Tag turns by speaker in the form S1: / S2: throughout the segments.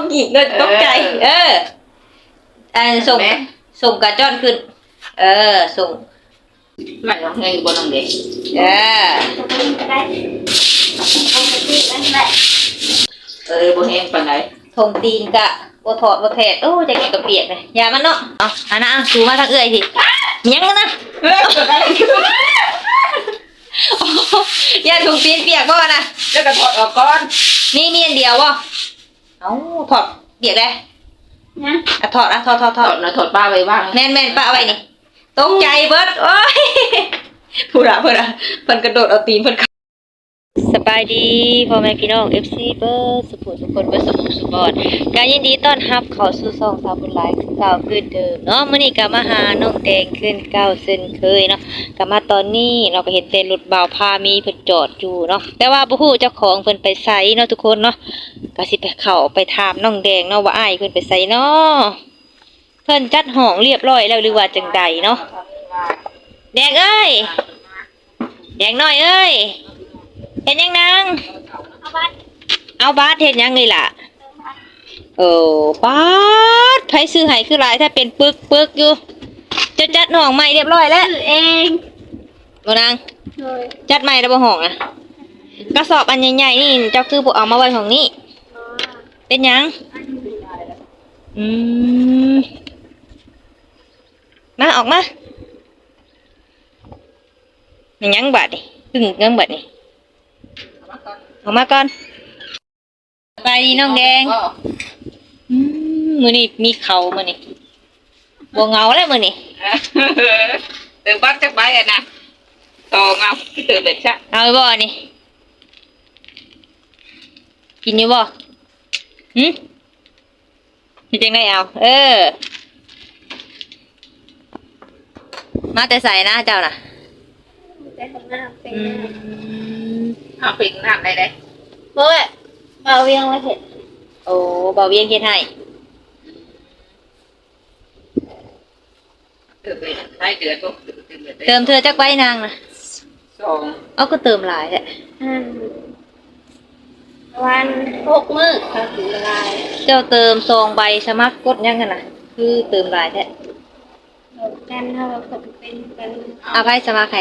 S1: กีกเลยตกใจส่งกระจ้อนขึ้นส่ง
S2: ไหลน้องเฮงบนน้องเด็กบ่แห้งปานไหน
S1: ทงตีนกะบ่ถอดบ่แทดโอ้จะกินกระเปียกเลยอย่ามันเนาะเอาอันน่ะสูมาทางเอื้อยสิยังนะอย่าทงตีนเปียกบ่นะ
S2: แล้วก็ถอดออกก่อน
S1: นี่อันเดียวบ่เอ้าถอดเปียกเลยนะถอดถอด
S2: นะถอดป้าไว้บ้าง
S1: แม่นป้าเอาไว้นี่ตกใจเบิดโอ้ยพูดอะเพิ่นกระโดดเอาตีนเพิ่นสบายดีพ่อแม่พี่น้อง FC เบิร์ดสุขทุกคนเบิร์ดสุขบอดการยินดีต้อนรับเข้าสู่ช่องสาวบุญหลายคือเก่าคือเดิมเนาะมื้อนี้ก็มาหาน้องแดงขึ้นเก่าเช่นเคยเนาะก็มาตอนนี้เราก็เห็นแต่รถบ่าวพามีเพิ่นจอดอยู่เนาะแต่ว่าบ่ฮู้เจ้าของเพิ่นไปไสเนาะทุกคนเนาะก็สิไปเข้าไปถามน้องแดงเนาะว่าอ้ายเพิ่นไปไสเนาะเพิ่นจัดห้องเรียบร้อยแล้วหรือว่าจังใดเนาะแดงเอ้ยแดงน้อยเอ้ยเห็นยังนางเอาบาสเห็นยังนี่ล่ะบาสใครซื้อให้คือหลายถ้าเป็นปึกอยู่จะจัดห้องใหม่เรียบร้อยแล้ว
S3: เอง
S1: บ่นางจัดใหม่แล้วบ่ห้องอ่ะกระสอบอันใหญ่ๆนี่เจ้าคือบ่เอามาไว้ห้องนี้เป็นยังมาออกมาเป็นยังบาดนี่ตึ้งยังบาดนี่ออกมาก่อนไปดีน้องแดงมื้อนี้มีเขามื้อนี้บ่เหงาแล้วมื้อนี้
S2: ตื่นบ้านจักใบอ่ะนะต่อเงาตื่นเป็นซะ
S1: เอาบ่นี่กินอยู่บ่สิจังได๋เอามาแต่ใส่นะเจ้าน่ะ
S3: แต่ข้างหน้าเป็น
S2: เอาปิ่งน้ำได้
S3: เมื่อเบาเวียงมาเห็ด
S1: โอ้เบาเวียงเฮ็ดให้เติมเธอจักใบนางนะ
S2: 2
S1: เอาก็เติมหลายแหละ
S3: วัน6 มื้อก็ถึงลาย
S1: เจ้าเติม2 ใบสมัครกดยังกันน่ะคือเติมหลายแท้
S3: กันเฮาก็เป็นกัน
S1: เอาไผสมัครให้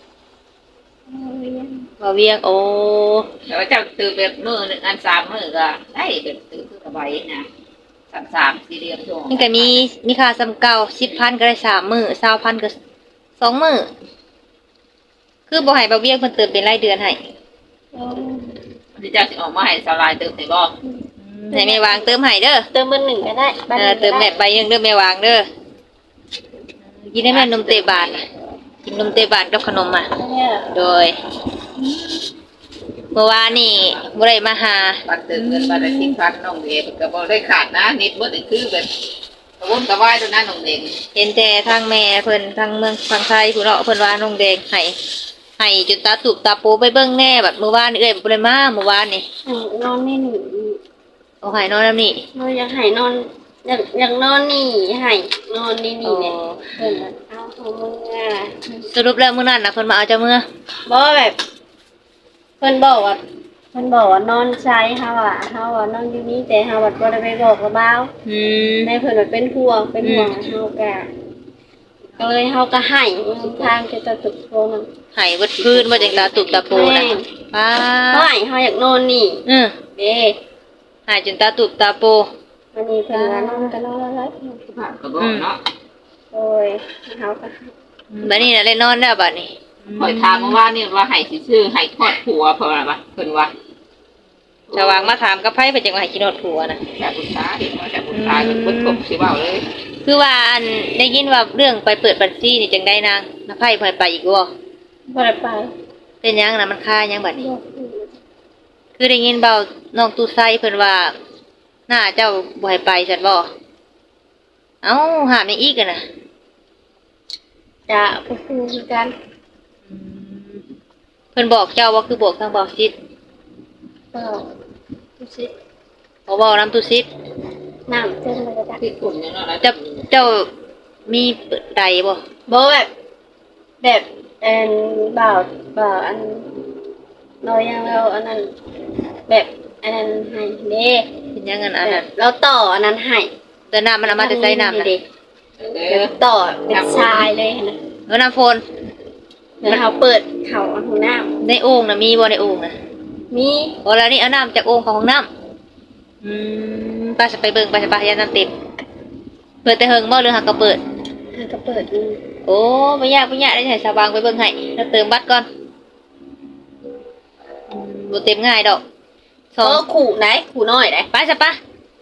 S1: เบาเวียงโอ้
S2: แล้วเจ้าตื่นแบบมื้อนึงอัน3มื้อก็ได้เป็นตื่นคือสบายนะ3 4เดือนช่วง
S1: มันก็มีค่าซ้ำเก่า 10,000 ก็ได้3 มื้อ 20,000 ก็2 มื้อคือบ่ให้เบาเวียงเพิ่นเติมเป็นรายเดือนให้
S2: ที่เจ้าสิออกมาให้สลายเติมให้บ่
S1: ให้แม่วางเติมให้เด้อ
S3: เติมเบอร์1ก็ได้
S1: เติมแบบใบนึงเด้อแม่วางเด้อกินได้แม่นมเตบานกินนมเตบานกับขนมอ่ะโดยเมื่อวานนี่บ่ได้มาหา
S2: บัตรเติมเงินบัตรที่พันน้องเด็กก็บ่ได้ขาดนะนิดบ่ได้คือแบบกระวนกระวายตัวนั้นน้องเด็ก
S1: เห็นแต่ทางแม่เพิ่นทางเมืองทางไทยผู้เนาะเพิ่นว่าน้องแดงให้จนตาตุบตาโปไปเบิ่งแน่บัดเมื่อวานเอ้ยบ่ได้มาเมื่อวานนี่
S3: นอนนี่
S1: เอาให้นอนนำนี่
S3: อยากให้นอนอยากนอนนี่ให้นอนนี่เนี่ยเพิ่นเอาของมึง
S1: สรุปแล้วมื้อนั้นน่ะเพิ่นมาเอาเจ้ามื้อ
S3: บ่แบบเพิ่นบอกว่านอนใช้เฮาอ่ะนอนอยู่นี่แต่เฮาบ่ได้ไปบอกกับบ่าวแม่เพิ่นเป็นห่วงเฮาก็เลยเฮาก็ให้ทางจะตุกโพน
S1: ให้เบิดคืนบ่จังตาตุกตาโปน่ะ
S3: ป้าเฮาอยากนอนนี่เด้
S1: ให้จนตาตุบตาโป
S3: วันนี้เพิ่นว่านอนก็นอนแล้ว
S2: ก็บอกเนาะ
S3: โอ้ยเฮาก็
S1: บัดนี้น่ะได้นอนแล้วบัดนี้
S2: ข่อยถามเมื่อวานนี่ว่าให้ซื่อให้ทอดผัวเพราะว่าเพิ่นว่า
S1: ชาววางมาถามกับไผเพิ่นจังว่าให้กินทอดผัวน่ะ
S2: แต่ผู้ชายเพิ่นบ่ครบสิเว้าเลย
S1: คือว่าอันได้ยินว่าเรื่องไปเปิดบัญชีนี่จังได้นางน้าไผเพิ่นไปอีกบ่
S3: ได้ไป
S1: เป็นหยังน่ะมันค่าหยังบัดนี้คือได้ยินเบาน้องตู้ไซเพิ่นว่าหน้าเจ้าบ่ให้ไปซั่นบ่เอ้าหามอีกอ่ะน่ะ
S3: จะบ่ฮู้คือกัน
S1: เพิ่นบอกเจ้าว่าคือบอกทางบ่ซิด
S3: ตุซิด
S1: บ่น้ำตุซิด
S3: น้ำเต็มเลยจ้ะ
S2: ที่กลุ่มเนี่ยเนาะ
S1: เจ้ามีใดบ่
S3: แบบบ่าวอันน้อยยังแล้วอันนั้นแบบอันนั้นให้เด้
S1: เป็นยังไงอันนั้น
S3: เราต่ออันนั้นให้
S1: แต่น้ำมันเอามาแต่ใส่น้ำนะ
S3: เด็กต่อเป็นชายเลยนะ
S1: แล้วน้ำโฟน
S3: แล้วเขาเปิดเขาเอาถุงน้
S1: ในโอ่งนะมีบ่ในโอ่งนะ
S3: ำมี
S1: โอ้แล้วนี่เอาน้ำจากโอ่งของห้องน้ำป้าจะไปเบิ่งป้าจะไปยาน้ำเต็มเปิดแต่เฮิงบ่หรือหักก็เปิด
S3: เธอก็เปิดดู
S1: โอ้ไม่ยากได้ใส่สว่างไปเบิ่งให้แล้วเติมบัตรก่อนบ่เต็มง่ายดอก
S3: โอ้ขู่ไหนขู่น้อยไหน
S1: ไปซะปะ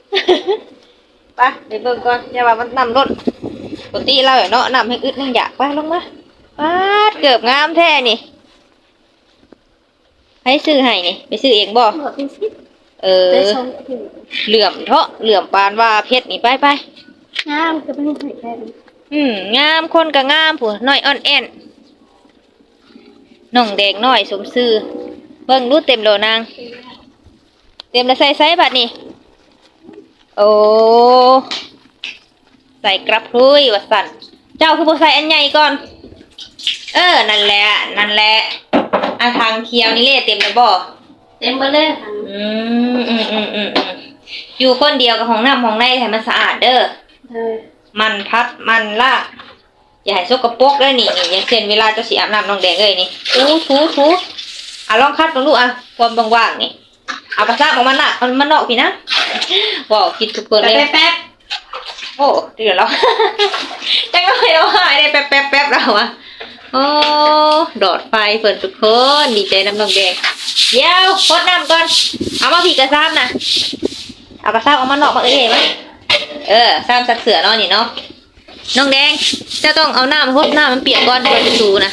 S1: ไปเบิ่งก่อนอย่าว่ามันนำรถปกติเราเนาะนำให้อึดนึงอยากไปลงมาป๊าดเกือบงามแท้นี่ให้ซื้อให้นี่ไปซื้อเองบ่
S3: บอกเป็นสิ ได้ชมถึง
S1: เหลื่อมเถาะเหลื่อมปานว่าเพชรนี่ไป
S3: งามก็ไม่ใส่แค่นี้
S1: งามคนก็งามผู้น้อยอ่อนแอนน้องแดงน้อยสมซื่อเบิ่งดูเต็มโลนางเต็มแล้วใส่ไซส์บัดนี่โอ้ใส่กระพุ้ยว่าสั่นเจ้าคือบ่ใส่อันใหญ่ก่อนนั่นแหละอันทางเคียวนี่เละเต็มแล้วบ่
S3: เต็มไปเลยค่ะ
S1: อยู่คนเดียวกับห้องน้ำห้องในให้มันสะอาดเด้อ
S3: เธอ
S1: มันพัดมันลากอย่าให้สกปรกเลยนี่อย่างเช่นเวลาเจะสีอาบน้ำน้องแดงเลยนี่ถูลองคัดลองดูความว่างๆนี่เอากระซับออกมาน่ะมันนอกพี่นะว้าวคิดทุกคนเลยแป๊บโอ้เดี๋ยวเราจังเลยเราหายได้แป๊บเราอะโอ้ดอดไฟเปิดทุกคนดีใจน้ำน้องแดงเดี๋ยวพดน้ำก่อนเอามาผีกระซับนะเอากระซับออกมานอกมาไหมซ้ำสักเสือเนาะนี่เนาะน้องแดงจะต้องเอาน้ำพดน้ำมันเปียกก่อนก่อนจะสูนะ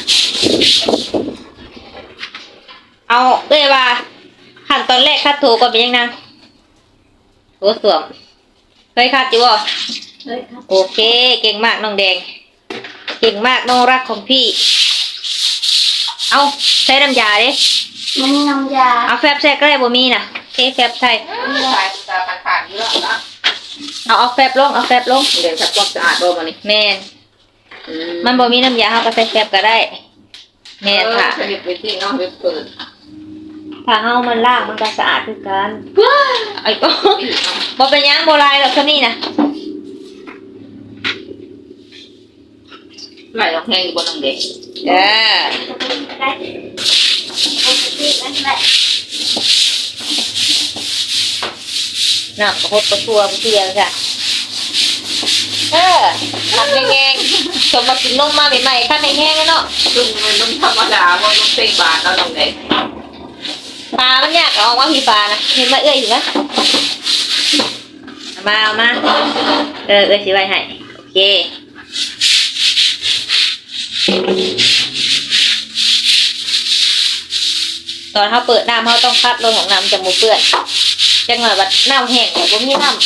S1: เอาว่าขั้นตอนแรกคัดถูก่อนเป็นยังไงโถสวมเคยคัดอยู่บ่
S3: เฮ้ยครับ
S1: โอเคเก่งมากน้องแดงเก่งมากน้องรักของพี่เอาใช้น้ำยาดิ
S3: มันมีน้ำยา
S1: เอาแฟบใส่ก็ได้บ่มีน่ะแฟบใส่
S2: สายตาขาดอยู่แล้วนะ
S1: เอาแฟบลง
S2: เดี๋ยวจะความสะอาดบ่มานี่
S1: แม่นมันบ่มีน้ำยาเฮาก็ใส่แฟบก็ได้แม่นค่ะ
S2: สนิทไปที่น้องไปเปิด
S1: ถ้าเฮามันล้างมันก็สะอาดคือกันไอ้ก็บ่เป็นหยังบ่ลายหรอกซะนี่น่ะ
S2: ไหลออกแห้งอยู่บนน้องเด็ก
S1: ได้
S3: ได้ปกตินั่นแหละ
S1: น้ำกระพดกระตัวเปียกจ้ะทำแห้งๆสมมากินนมมาใหม่ๆขั้นแห้งๆแล้วเนาะ
S2: ซึ่งมันต้องธรรมดาเพราะต้องเต็มบาทแล้วน้องเด็ก
S1: ปลามันยากเอาว่าพี่ปลานะเห็นมาเอื้อยอยู่ไหมเอามาเอื้อยสิไว้ให้โอเคตอนเขาเปิดน้ำเขาต้องคัดลงของน้ำจะมูเปื้อนจังหวะบัดน้ำแห้งแต่ผมมีน้ำ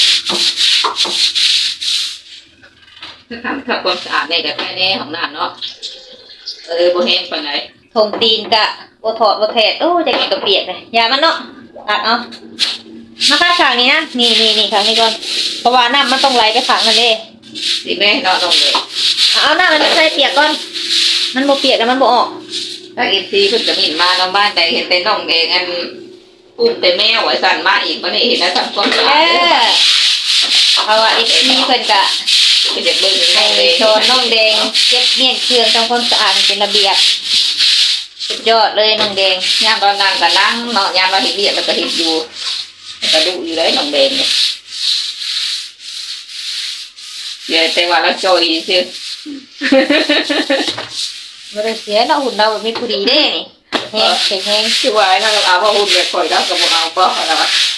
S2: ทำความสะอาดในกับแค่นี้ของน้ำเนาะบ่แห้งปานไหน
S1: ทงตีนกะบ่ถอดบ่แทดโอ้จะกินกับเปียกเลยอย่ามันเนาะตัดเอามาคัดขางนี้นะนี่ขางนี้ก่อนเพราะว่าน้ำมันต้องไหลไปขางนั่นเอง
S2: สิแม่เนาะน้องเด็ก
S1: เอาน้ำมันใส่เปียกก่อนมันบ่เปียกแล้วมันบ่ออก
S2: ถ้าเอฟซีเพิ่นจะมีมาน้องบ้านใดเห็นแต่น้องเองอันอุ้มแต่แม่ไว้สั่นมาอีกบ่ได้เห็นนะทำความสะอาด
S1: เพราะว่าอีกทีเพิ่นก็
S2: เป็นเด็กเบิ่งน้
S1: ให้
S2: องเด็ก
S1: โชนน้องแดงเก็บเมี่ยงเครื่องทำความสะอาดให้เป็นระเบียบสุดยอดเลยน้องแดง
S2: ยามตอนนั่งก็นั่งเนาะยามเราเห็นเรียกแล้วก็เห็นอยู่ก็ดูอยู่เลยน้องเด็กเนี่ยเดี๋ยวแต่ว่าเราจอยซื่อ
S1: บ่ได้เสียเนาะหุ่นเราแบบมีผู้ดีเด้นี่แห้งแห้ง
S2: คือว่าถ้าเราเอาว่าหุ่นแบบข่อยแล้วก็บ่เอาบ่แล้ว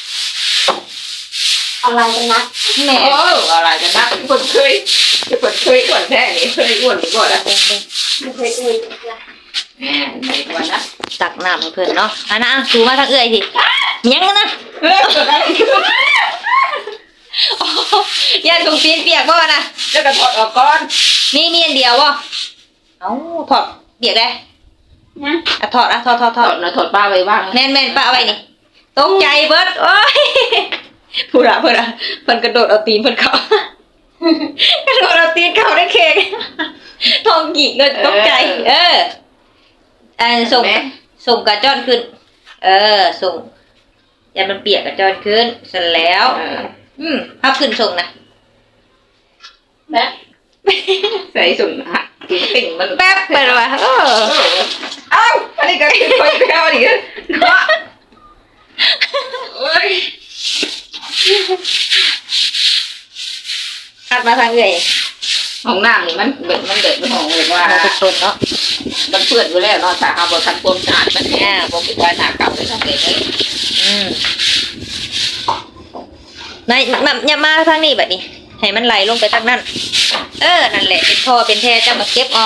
S3: อะไรกันนะ
S1: แม่
S2: โอ้อะไรกันนะคนเคยอ้วนแท้นี่เคยอ้วนหรือบ่ล่ะ
S3: ไม่เคยอุ่นเลย
S2: แหมไม่อ้วนนะ
S1: ตักน้ำให้เพิ่นเนาะอันนะสูมาทางเอื้อยสิยังนะย่านตรงตีนเปียกบ่นะ
S2: แล้วก็ถอดออกก่อน
S1: มีอันเดียวบ่เอ้าถอดเปียกได้
S3: นะ
S1: ถอดถอด
S2: ถอดนะถอดป้าไว้บ้าง
S1: แม่นป้าเอาไว้นี่ตกใจเบิดโอ้ยพูดอะเพิ่นกระโดดเอาตีนเพิ่นเข้ากระโดดเอาตีนเข้าได้เค้กทองหยิกเลยตกใจส่งกระจ้อนขึ้นส่งอย่ามันเปียกกับจอนขึ้นเสร็จแล้วภาพขึ้นส่งนะ
S3: แบบ
S2: ใส่สุ่มหักติ่งมัน
S1: แป๊บไปเลยว่ะ
S2: เอ้าอันนี้ก็คอยแก้วดิเนาะเอ้ย
S1: คัดมาทางเลย
S2: ห้องน้ำนี่มันเด็กเป็นห้องเลยว่า
S1: ทุกคนเนาะ
S2: มันเปื้อนอยู่แล้วเนาะถ้าเอาบทันความสะอาดมันแห้งบ่คิดว่าหน้าเก่าเลยต้องเก็บเลย
S1: นายอย่ามาทางนี้แบบนี้ให้มันไหลลงไปทางนั้นนั่นแหละเป็นท่อเป็นแท้จะมาเก็บออก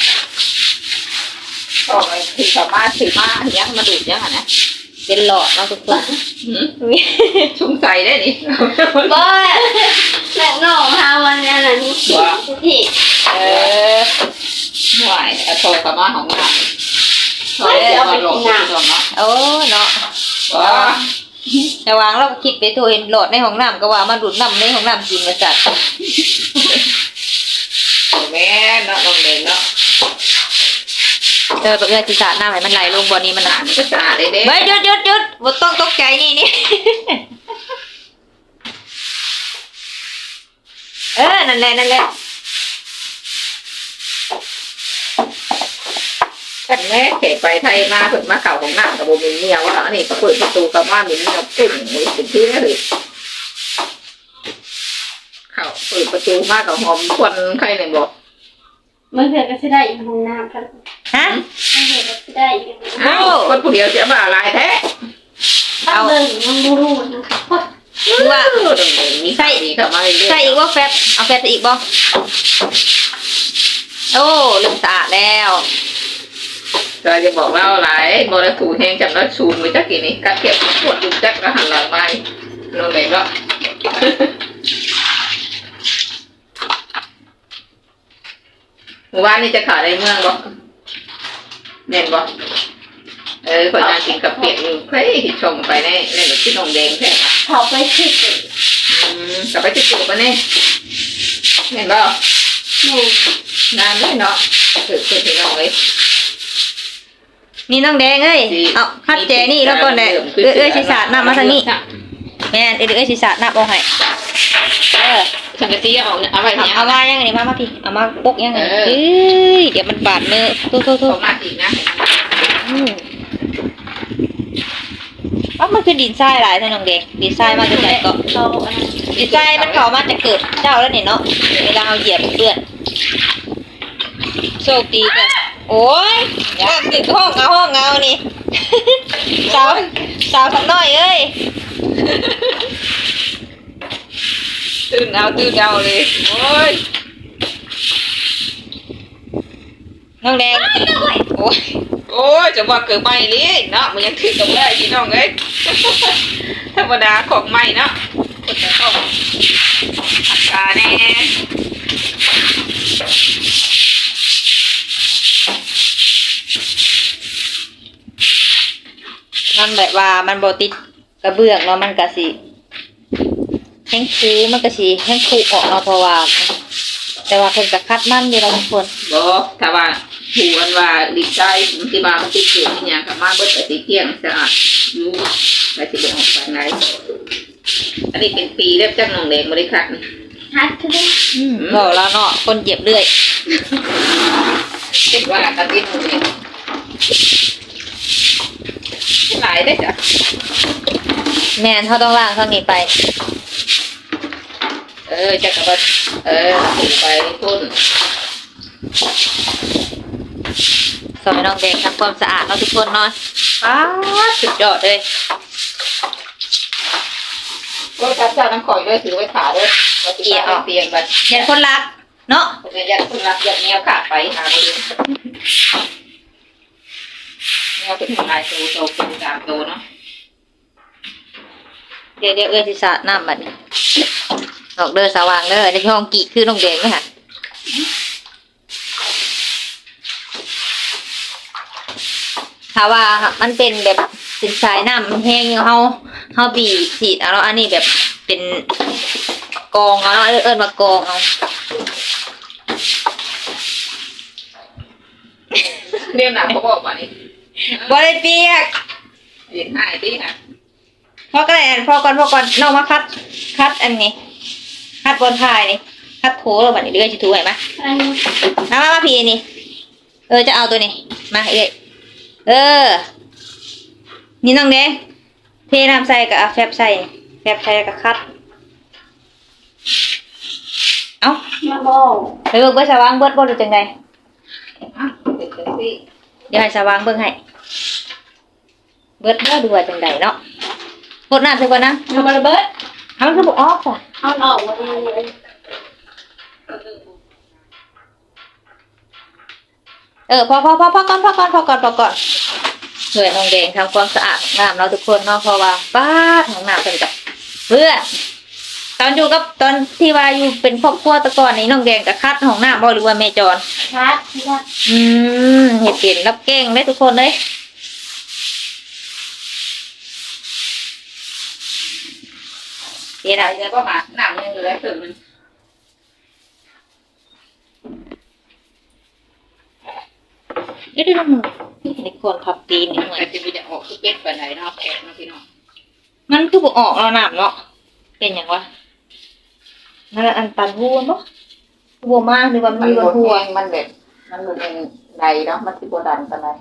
S2: ก็คือสามารถถือมาอย่างมาดูดอย่างนะ
S1: เป็นหลอดเนาะทุกคน
S2: ชุ่มใส่ได้นี่
S3: บ่แม่น้องเฮาวันนั้นน่ะนี่ที่
S2: ห่วยโทรสามารถของน้ำโทรเอาไปลงน้ำเนาะ
S1: โอ้เนาะ
S2: ว้า
S1: แต่วางเราคิดไปตัวเห็นหลอดในห้องน้ำก็ว่ามาดูดน้ำในห้องน้ำกินมาจัด
S2: แม่เนาะน้องเด่นเนาะ
S1: ตัวเอื้อจิตาหน้าให้มันไหลลงบ่อนี้มัน
S2: หนามันก็สะอาดเลยเด้
S1: เฮ้ยหยุดบ่ต้องตกใจนี่ นั่นแหละ
S2: กันแม่เขยไปไทยมาเพิ่นมาเก่าของน้ำกับโบมินเมียว่าอันนี้ก็เปิดประตูกับว่ามินเมียตึ้งมือเป็นที่ได้เลยเขาเปิดประตูมากับหอมควันใครเนี่ยบอก
S3: มันเกิดก็สิได้อีกห้องน้ำกัน
S1: ฮะ
S3: มันเกิดก็สิได้อีก
S2: อ้าวคนผู้เดียวเสียบ่าลายแท้
S3: เอาเบิ่งมันบ่รู้นะคะ
S1: คือว่า
S2: มีใส่ดีเข้ามาเรื่อยๆ
S1: ใส่อีกว่าแฟบเอาแฟบใส่อีกบ่โอ้ลืมสะอาดแล้ว
S2: ก็จะบอกเล่าหลายโมเลกุลแห้งจำแล้วชูมือจักกี่นี่กัดเก็บปวดจุกจักแล้วหันหลังไปโน่นเลยก็หมู่บ้านนี่จะขายในเมืองบ่เน่นบ่คนงานกินกับเปียกอยู่เฮ้ยชมไปในแบบที่นงแดงแท้
S3: เขาไปคิดเลย
S2: กลับไปที่จุกปะเนี่ยเห็นบ่
S3: แม่
S2: นานเลยเนาะคือที่น้องเลย
S1: นี่น้องแดงเอ้ยเอาคัดแจนี่แล้วก่อนแหละเอ้ยสิสาดน้ำมาทางนี้แม่นเอ้ยสิสาดน้ำเอาให้
S2: สังกะสีเอาเอาไว้เนี่ย
S1: เอามายังไงมาพี่เอามาปกยังไงเดี๋ยวมันบาดมือโทษ
S2: เอามาอีกนะ
S1: มันคือดินทรายหลายท่านน้องแดงดินทรายมาจากไหนก็
S3: เขา
S1: ดินทรายมันเข้ามาจะเกิดเจ้าแล้วเนี่ยเนาะเวลาเอาเหยียบเปื้อนโชคดีกันโอ้ยติดห้องเอานี่ สาวสักหน่อยเอ้ย
S2: ตื่นเอาเลยโอ้ย
S1: น้องแดงโอ้ย
S2: จะว่าเกิดใหม่เลยเนาะมันยังถือกับได้พี่น้องเอ้ยธรรมดาของใหม่เนาะคนจะต้องหักกาแน่
S1: มันแบบว่ามันบ่ติดกระเบื้องเนาะมันก็สิแห้งคูมันก็สิแห้งคูออกเนาะเพราะว่าแต่ว่าเพิ่นก็คัดมันอยู่แล้วทุกคน
S2: บอกถ้าว่าหูอันว่าดิบใจที่บ้านมันติดเกลือที่ยังกับมาเบิดแต่สีเที่ยงสะอาดอยู่ไปสิเป็นออกไปไหนอันนี้เป็นปีแล้วจังน้องแดงบริคัด
S3: ฮัทคือ
S1: บอกแล้วเนาะคนเจ็บเรื่อย
S2: คิดว่าอาทิตย์นึงหลายได้จ้ะ
S1: แม่นเขาต้องล้างทางนี้ไป
S2: จะกระบถึงไปพุ่น
S1: สอยน้องแดงทำความสะอาดเนาะทุกคนเนาะสุดยอดเลย
S2: ก็ทับเจ้าน้ำข่อยด้วยถือไว้ขาด้วยเตียงไป
S1: ยันคนรักเนาะ
S2: ผมยันคนรักยันแนวขาไปหาไปดูแนวเป็นลายโตเป็นตามโตเนาะ
S1: เดี๋ยวสิสาดน้ำบัดนี้ออกเด้อสว่างเด้อในห้องกี่คือน้องแดงไหมคะถ้าว่ามันเป็นแบบสินสายน้ำมันแห้งเฮาบีบฉีดเอาแล้วอันนี้แบบเป็นกองเอาแล้วเอิ้นมากองเอา
S2: เรียกหนักเขาบอกว่านี่
S1: บ่ได้เปียก
S2: เรียนหายปีค่ะ
S1: พพอก็ได้พอก่อนน้องมาคัดอันนี้คัดบนท้ายนี่คัดโถแล้วบัดนี้เดือยสิถูให้มา
S3: อันนี้
S1: มาพี่นี่จะเอาตัวนี้มาเออนี่น้องแดงเทน้ำใส่กับแฟบใส่กับคัดเอา
S3: มาบอก
S1: ไปเบิ่งเบิ่งสว่างเบิดบ่หรือจังได
S2: อ่ะเป็นจังซี่
S1: เดี๋ยวให้สว่างเบิ่งให้เบิดบ่ดูว่าจังไดเนาะกดน้ำใส่ก่อนนะ
S3: เอามาระเบิด
S1: เอามันคือบ่ออกจ้ะ
S3: เอาออกมาเลย
S1: พอก่อนช่วยน้องแดงทำความสะอาดของน้ำเราทุกคนเนาะเพราะว่าป้าของน้ำเป็นกับเพื่อตอนอยู่กับตอนที่ว่าอยู่เป็นครอบครัวแตะก่อนนี้น้องแดงกับคัดของน้ำบ่หรือว่าแม่จร
S3: คัด
S1: เห็ดเป็นรับเก่งได้ทุกคนเลยเดี๋ยว
S2: ไหน
S1: นะ
S2: จะก็มาหนังยังเหลือถึงมัน
S1: เดี๋ยวมึงนี่คนทับตีนนี่หน่อย
S2: แต่จะมีแต่ออกคือเป็ดไปไหนเนาะแขกเนาะพี่น้อง
S1: มันคือบ่ออกแล้วน้ำเนาะเป็นอย่างวะนั่นอันตันหัวเนาะหัวมากหรือว่ามีหัว
S2: มันแบบมันอยู่ในใดเนาะมันสิบ่ดันปานใด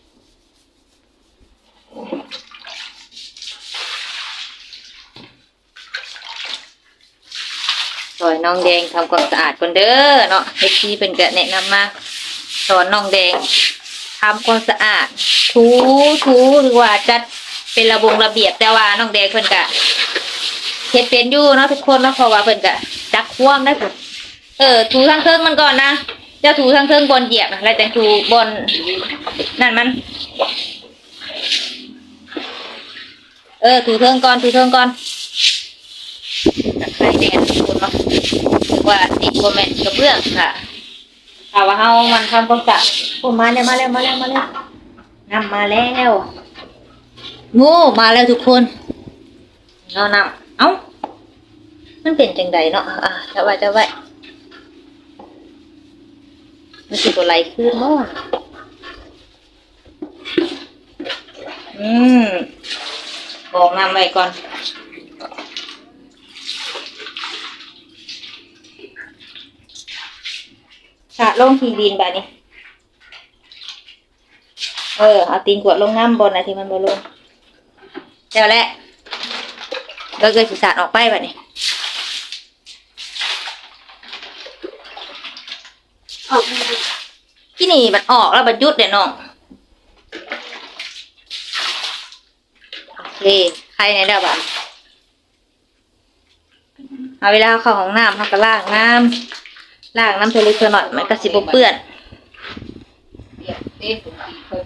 S1: สอนน้องแดงทำความสะอาดคนเด้อเนาะเฮ็ดที่เป็นก็แนะนำมาสอนน้องแดงทำความสะอาดถูหรือว่าจัดเป็นระเบียบแต่ว่าน้องแดงเพิ่นก็เฮ็ดเป็นอยู่เนาะทุกคนเนาะเพราะว่าเพิ่นก็จักความได้พุ่นถูทางเทิงมันก่อนนะเจ้าถูทางเทิงบนเหยียบนะแล้วจังถูบนนั่นมันถูเทิงก่อนตะไคร้แดงทุกคนเนาะถือว่าติดบ่แม่นกระเบื้องค่ะถ้าว่าเฮามันทำความสะอาดโอ้มาแล้วน้ำมาแล้วโง่มาแล้วทุกคนเอาน้ำเอ้ามันเป็นจังใดเนาะจะไว้มันสิบ่ไหลขึ้นบ่บอกน้ำไว้ก่อนสะลงที่ดินแบบนี้เอาตีนกวดลงน้ำบนนะที่มันบ่ลงเดี๋ยวแหละเราเกิดศีรษะออกไปแบบนี้
S3: ออกมา
S1: ที่นี่มันออกแล้วมันยุดเดี๋ยวน้องโอเคใครในเด้อบ่ะเอาเวลาเข้าของน้ำเขาก็ล้างน้ำเทเล็กเทหน่อยมันก็สิบ่เปื้อน
S2: เปียกเต้ผมกินเพิ่น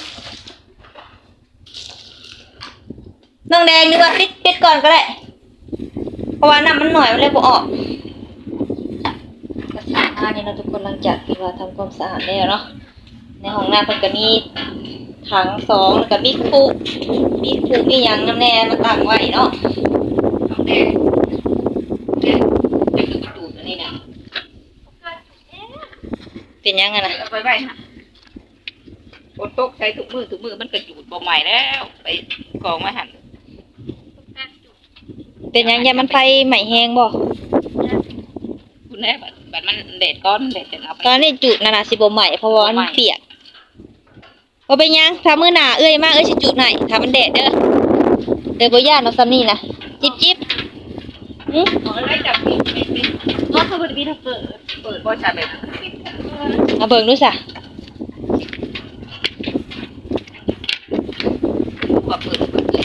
S1: น้องแดงดีกว่าปิดก่อนก็ได้เพราะว่าน้ำมันหน่อยมันเลยบ่ออกก็สะอาดนี่เนาะทุกคนหลังจากที่ว่าทำความสะอาดแล้วเนาะในห้องน้ำเพิ่นก็มีถัง2แล้วก็มีคุมีหยังน้ำแน่มาตั้งไว้เนาะ
S2: น้องแดงเนี่ยจะคือกระดูกอันนี้นะ
S1: เป็นหยังนะ
S2: เอาไว้ฮะฝนตกใช้ถุงมือมันกระจูดบ่ใหม่แล้วไปกองไว้หั่น
S1: เป็นหยังยามันไฟใหม่แห้งบ่
S2: คุณแม่บัดมันแดดก้อนแดดจะเอาไป
S1: ตอนนี้จุดนาสิบ่ใหม่เพราะว่ามันเปียกบ่เป็นหยังถ้ามื้อหน้ามาสิจุดไหนถ้ามันแดดเด้อบ่ย่านเนาะซ้ำนี่นะจิ๊บหึ
S2: ขอได้จับปิดเป็นเพราะเขาบ่ได้มีถ้าเปิดบ่ใช่แบบปิด
S1: มาเบิ่งดูซะ
S2: ว่าเปิด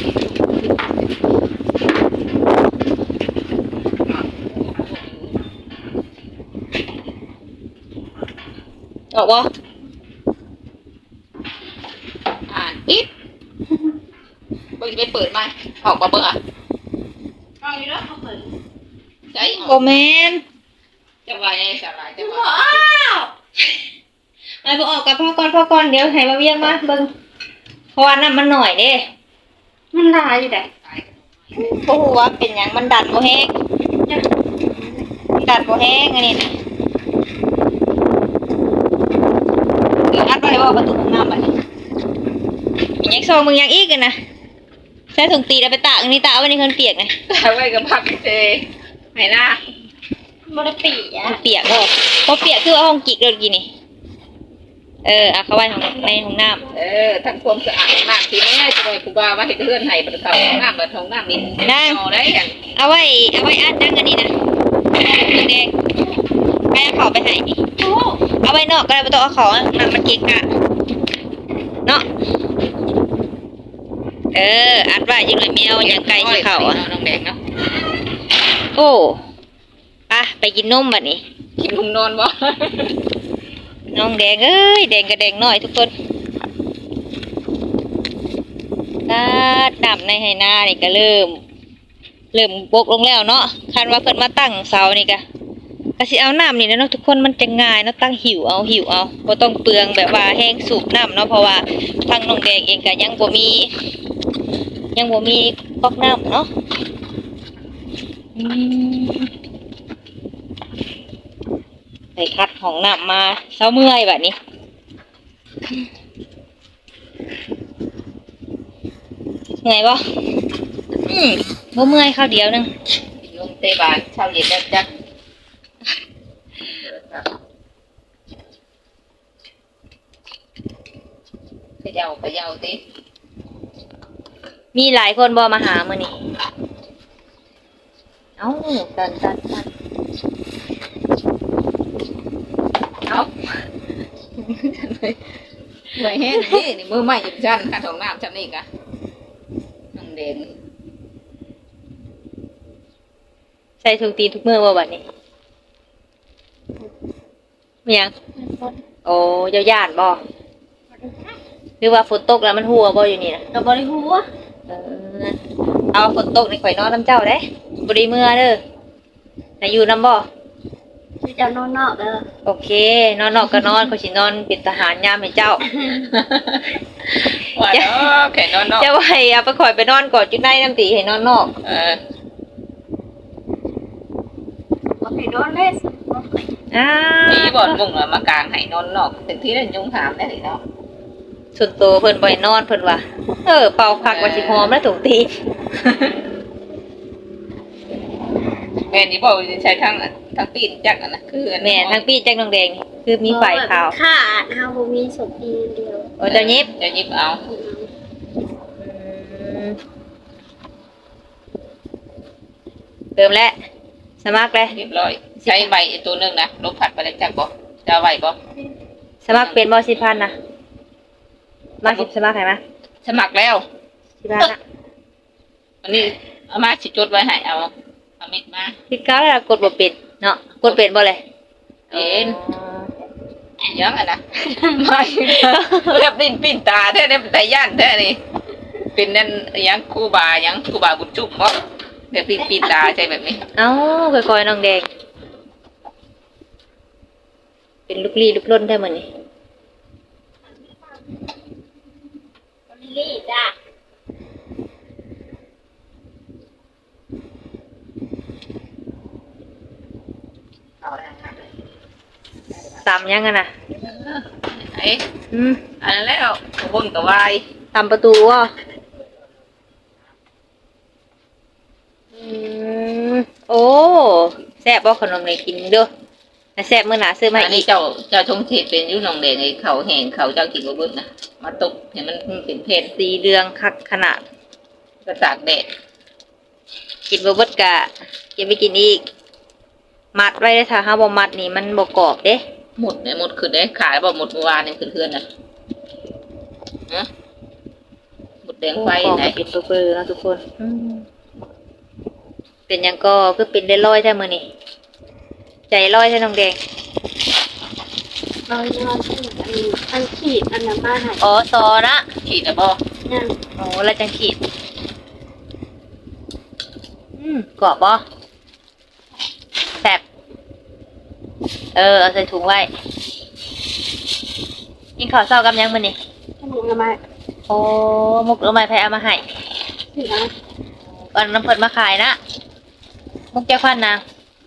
S1: ออกบ่
S2: ปิดบ่จะไปเปิดไหมออกบ่เบิ่งอ่ะเอาอยู่แล้วเขาเปิดใช่
S1: บ่แม่น
S2: จะว่าไงสลายจะว่า
S1: ไอ้บ่ออกกับพ่อก่อนเดี๋ยวให้มาเวียงมาเบิ่งเพราะว่าน้ำมันหน่อยเด้
S3: มันลายอยู่ไหน
S1: บ่ฮู้ว่าเป็นหยังมันดันบ่แห้งดันบ่แห้งอันนี้นะอัดไว้บ่ประตูห้องน้ำบัดนี้มีหยังซองมึงหยังอีกกันนะใส่ถุงตีแล้วไปตากอันนี้ตากเอาไว้ในคนเปียกไง
S2: เอาไว้กับพักเจไหนหน้า
S3: บ่ได้ปีอ่ะ
S1: มันเปียกบ่พอเปียกคือเอาห้องกิกเลยกินนี่เอาเข้าไว้ในห้องน้ำ
S2: ทั้งความสะอาดมากทีแม่จะไปกูบาว่าเห็ดเฮือนไห้บนเขาห้องน้ำบนห้องน้ำนี่เอาได้อย่าง
S1: เอาไว้อัดนั่งอันนี้นะถุงแดงไปเอาเขาไปให้นี่เอาไว้นอกก็ได้ไม่ต้องเอาเขานำมันเกะกะเนาะอัดไว้ยังเลยแมวยังไก่ที่เขาอ่ะ
S2: น้องแดงเนาะ
S1: โอ้ไปกินนมบัดนี้
S2: กินนมนอนบ่
S1: น้องแดงแดงกับแดงน้อยทุกคนดำในไหนานี่ก็เริ่มบกลงแล้วเนาะคันว่าเพิ่นมาตั้งเสานี่ก็สิเอาน้ำนี่นะเนาะทุกคนมันจะง่ายเนาะตั้งหิวเอาบ่ต้องเปลืองแบบว่าแห้งสูบน้ำเนาะเพราะว่าทางน้องแดงเองก็ยังบ่มีก๊อกน้ำเนาะไปคัดของน้ำมาเช้าเมื่อยแบบนี้เหนื่อยบ่บ่เมื่อยข้าวเดียวนึง
S2: ลงเตะบานเช้าเย็นแล้วจ้ะขย่าติ
S1: มีหลายคนบ่มาหามื้อนี้เอ้าตัน
S2: เอาเหนื่อยแห้งนี่มือใหม่จุดชั้นค่ะของน้ำชั้นนี่กะน้องแดง
S1: ใส่ถุงตีนทุกมื้อบ่บัดนี้มีหยังโอ้ยานบ่หรือว่าฝนตกแล้วมันหัวบ่อยู่นี่นะ
S3: ก็บ่ได้ฮู้ว่า
S1: เอาฝนตกนี่ข่อยนอนน้ำเจ้าเด้บ่ได้เมื่อเด้อน่ะอยู่นำบ่
S3: สิจะนอนนอกเด้อ
S1: โอเคนอนนอกก็นอนข่อยสินอนเป็นทหารยามให้เจ้า
S2: ว่าเนาะแค่นอนเนาะ
S1: จะไว้เอาไปข่อยไปนอนก่อนจุดในน้ำตีให้นอนนอก
S3: บ่ให้นอนเลยสิบ่ไป
S2: นี่บ่อนมุ่งมากลางให้นอนนอกถึงที่นั่นยุงถามได้เนาะ
S1: ส่วนตัวเพิ่นบ่ให้นอนเพิ่นว่าเป่าคักว่าสิหอมแล้วถุงตีน
S2: แม่นี่บอกใช้ทั้งปีนจักนะคือ
S1: แม่ทั้งปีจักน้องแดงนี่คือมีไฟขาว
S3: ขาดเฮาบ่มีศพอีเดียว
S1: โอ้เจ้ายิบ
S2: จะยิบเอา
S1: เติมแล้วสมัครแล้ว
S2: เรียบร้อยใช้ใบตัวนึงนะลบผัดไปแล้วจักบ่จะไหวบ่
S1: สมัครเป็นบ่10,000น่ะมา10สมัครให้มา
S2: สมัครแล้ว
S1: 10,000น่ะ
S2: อันนี้เอามาสิจดไว้ให้เอาเม็ดมา
S1: คิดก้าวแล้วกดบ่เป็นเนาะกดเป็นบ่เลย
S2: เป็นยังอ่ะนะไม่เรียบดินปิ้นตาแท้เนี่ยแต่ย่านแท้นี่เป็นนั่นยังครูบายังครูบาบุญจุ่มบ่เดี๋ยวปิ้นตาใช่แบบนี้
S1: เอ้าค่อยๆน้องแดงเป็นลูกลี้ลูกล่นได้มื้อนี้
S3: ลิลี่จ้ะ
S2: เอาแล้ว
S1: ตำยังอะน่ะ
S2: ไอ้ อันนั้นแล้วบนกับวาย
S1: ตำประตูว่ะโอ้แซ่บบ่ขนมนี่กินเด้อแต่แซ่บมื้อหน้าซื้อมา
S2: อัน
S1: อี
S2: นี้
S1: ก
S2: เจ้าทงเทศเป็นอยู่หนองแดงไอ้เขาแห้งเขาเจ้ากินบ่เบิดนะมาตกเห็นมันเป็นเพศ
S1: สีเหลืองคักขนาด
S2: กระตากแดด
S1: กินบ่เบิดกะเก็บไปกินอีก มัดไว้ได้อถ้าเฮาบ่มัดนี่มันบ่กรอบเด้
S2: หมดเนี่ยหมดขึ้นได้ขายบ่หมดเมื่อวานนี่ขึ้นเพื่อนนะฮะหมดแดงไฟ
S1: กรอบ
S2: ไหน
S1: เป็นเบอร์ๆเนาะทุกคนเป็นหยังก็คือเป็นได้ร้อยแท้มื้อนี้ใจร้อยแท้น้องแดง
S3: เรานอนที่อันขีดอันนั้นมาให้
S1: อ๋อซอนะ
S2: ขีดนะบ่
S3: นั่น
S1: โอ้แล้วจังขีดกรอบบ่แซ่บเอาใส่ถุงไว้กินข้าวเช้ากับหยังมื้อนี้
S3: ขนมละมา
S1: โอ้มุกเอาไม้ไผเอามาให้
S3: สินะ
S1: ก่อนน้ำเพิ่นมาขายนะมุกแก้วควันนาง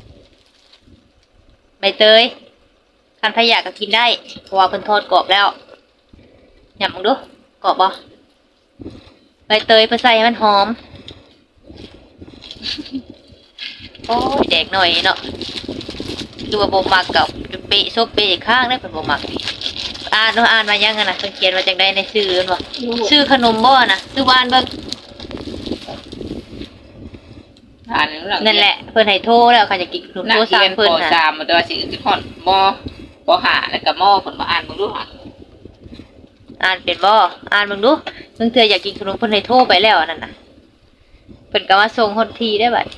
S1: ใบเตยคันพยาก็กินได้เพราะว่าเพิ่นทอดกรอบแล้วหยำมึงดูกรอบบ่ใบเตยไปใส่ให้มันหอมโอ้ยแดกหน่อยเนาะคือว่าบ่มักกับเปะซบเปะอีกข้างได้เพิ่นบ่มักนี่อ่านเนาะอ่านมายังกันน่ะเพิ่นเขียนว่าจังได๋ในชื่อเพิ่นว่าชื่อขนมบ่น่ะชื่อบ้านเบิ่ง
S2: อ่านหลัง
S1: นั่นแหละเพิ่นให้โทรแล้วค่ะจะกินขนม
S2: นัก
S1: โทร
S2: เรี
S1: สั่
S2: ย
S1: ง
S2: น
S1: เพิ่น
S2: ป
S1: น่ะ
S2: .3 มาตัวสิฮอดป .5 แล้วก็มเพิ่นมาอ่านเบิ่งดูค่ะ
S1: อ่านเป็นบ่อ่านเบิ่งดูเพิ่นเทื่ออยากกินขนมเพิ่นให้โทรไปแล้วนั่นน่ะเพิ่นก็มาส่งฮอดที่ได้บัด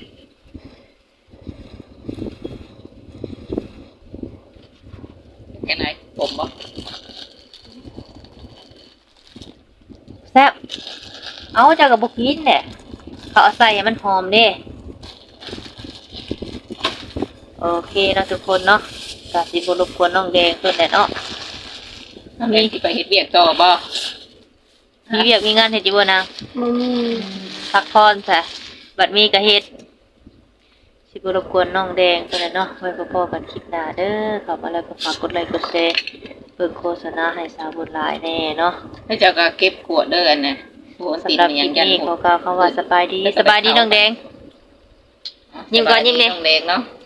S2: แค่ไหนผมบ่
S1: แซ่บเอาเจ้าก็บ่กินแหละเขาเอาใส่ให้มันหอมเด้โอเคเนาะทุกคนเนาะก็สิบ่รบกวนน้องแดงเพิ่นแหละเนาะ
S2: มีสิไปเฮ็ดเวียกต่อบ่
S1: มีเวียกมีงานเฮ็ดอยู่บ่นาง
S3: บ่มี
S1: พักผ่อนซะบัดมีก็เฮ็ดสิบ่รบกวนน้องแดงเพิ่นแหละเนาะไว้พบกันคลิปหน้าเด้อเข้ามาแล้วก็ฝากกดไลค์กดแชร์เบิ่งโฆษณาให้สาวบุญหลายแน่เนาะ
S2: แล้วเจ้าก็เก็บขวดเด้ออันน่ะโหนติด
S1: สำหรับ
S2: มัน
S1: ค
S2: ยั
S1: ลิ
S2: ง
S1: ป
S2: ยัน
S1: นี้
S2: ห
S1: ข
S2: ม
S1: อ
S2: ด
S1: กล่าวคำว่าสบายดีสบายดีน้องแดง ยิ้มก่อนยิ้มเลย
S2: น้องแดงเนาะ